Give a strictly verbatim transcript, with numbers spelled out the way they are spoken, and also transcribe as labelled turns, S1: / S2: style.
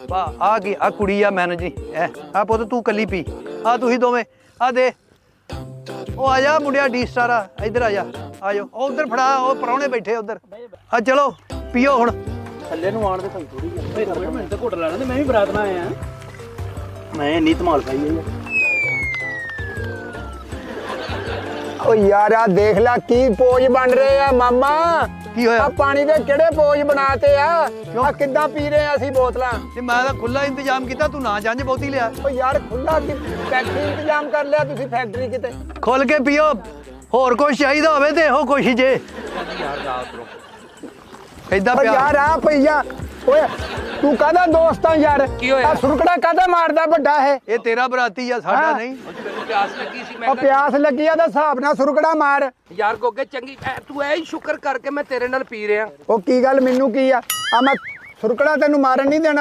S1: ਵਾਹ ਆ ਕੀ ਆ ਕੁੜੀ ਆ ਮੈਨੇਜ ਨਹੀਂ ਐ ਆ ਪੁੱਤ ਤੂੰ ਕੱਲੀ ਪੀ ਆ ਤੁਸੀਂ ਦੋਵੇਂ ਆ ਦੇ ਉਹ ਆ ਜਾ ਮੁੰਡਿਆ ਡੀ ਸਟਾਰ ਆ ਇੱਧਰ ਆ ਜਾ ਆ ਜਾਓ ਉਹ ਉਧਰ ਫੜਾ ਉਹ ਪਰੌਣੇ ਬੈਠੇ ਉਧਰ ਆ ਚਲੋ ਪੀਓ ਹੁਣ
S2: ਥੱਲੇ ਨੂੰ ਆਣ ਦੇ ਥੋੜੀ ਥੋੜੀ ਮਿੰਟ ਤੇ ਘੁੱਟ ਲੈਣਾ ਤੇ ਮੈਂ ਵੀ ਬਰਾਤ ਨਾਲ ਆਇਆ ਮੈਂ ਇੰਨੀ ਧਮਾਲ ਪਾਈ ਹੈ
S3: ਓ ਯਾਰ ਆ ਦੇਖ ਲੈ ਕੀ ਪੋਜ ਬਣ ਰਹੇ ਆ ਮਾਮਾ
S1: ਕੀ ਹੋਇਆ
S3: ਆ ਪਾਣੀ ਦੇ ਕਿਹੜੇ ਪੋਜ ਬਣਾਤੇ ਆ ਆ ਕਿੱਦਾਂ ਪੀ ਰਹੇ ਆ ਅਸੀਂ ਬੋਤਲਾਂ
S1: ਤੇ ਮੈਂ ਤਾਂ ਖੁੱਲਾ ਇੰਤਜ਼ਾਮ ਕੀਤਾ ਤੂੰ ਨਾ ਜੰਝ ਬਹੁਤੀ ਲਿਆ
S3: ਓ ਯਾਰ ਖੁੱਲਾ ਕੀ ਫੈਕਟਰੀ ਇੰਤਜ਼ਾਮ ਕਰ ਲਿਆ ਤੁਸੀਂ ਫੈਕਟਰੀ ਕਿਤੇ
S1: ਖੁੱਲ ਕੇ ਪੀਓ ਹੋਰ ਕੁਝ ਚਾਹੀਦਾ ਹੋਵੇ ਤੇ ਇਹੋ ਕੁਛ ਜੇ ਏਦਾਂ
S3: ਓ
S1: ਪਿਆ
S3: ਯਾਰ ਆ ਪਈਆ ਓਏ ਤੂੰ ਕਾਹਦਾ ਦੋਸਤ ਆ ਯਾਰ
S1: ਕੀ ਹੋਇਆ?
S3: ਆ ਸੁਰਕੜਾ ਕਾਹਦਾ ਮਾਰਦਾ ਵੱਡਾ ਇਹ
S1: ਇਹ ਤੇਰਾ ਬਰਾਤੀ ਆ ਸਾਡਾ
S3: ਹਾਂ।
S1: ਨਹੀਂ
S2: ਪਿਆਸ ਲੱਗੀ ਸੀ
S3: ਓ ਪਿਆਸ ਲੱਗੀ ਆ ਤਾਂ ਹਿਸਾਬ ਨਾਲ ਸੁਰਕੜਾ ਮਾਰ
S2: ਯਾਰ ਗੋਗੇ ਚੰਗੀ ਐ ਤੂੰ ਐ ਹੀ ਸ਼ੁਕਰ ਕਰਕੇ ਮੈਂ ਤੇਰੇ ਨਾਲ ਪੀ ਰਿਹਾ
S3: ਉਹ ਕੀ ਗੱਲ ਮੈਨੂੰ ਕੀ ਆ ਆ ਮੈਂ ਸੁਰਕੜਾ ਤੈਨੂੰ ਮਾਰਨ ਨਹੀਂ ਦੇਣਾ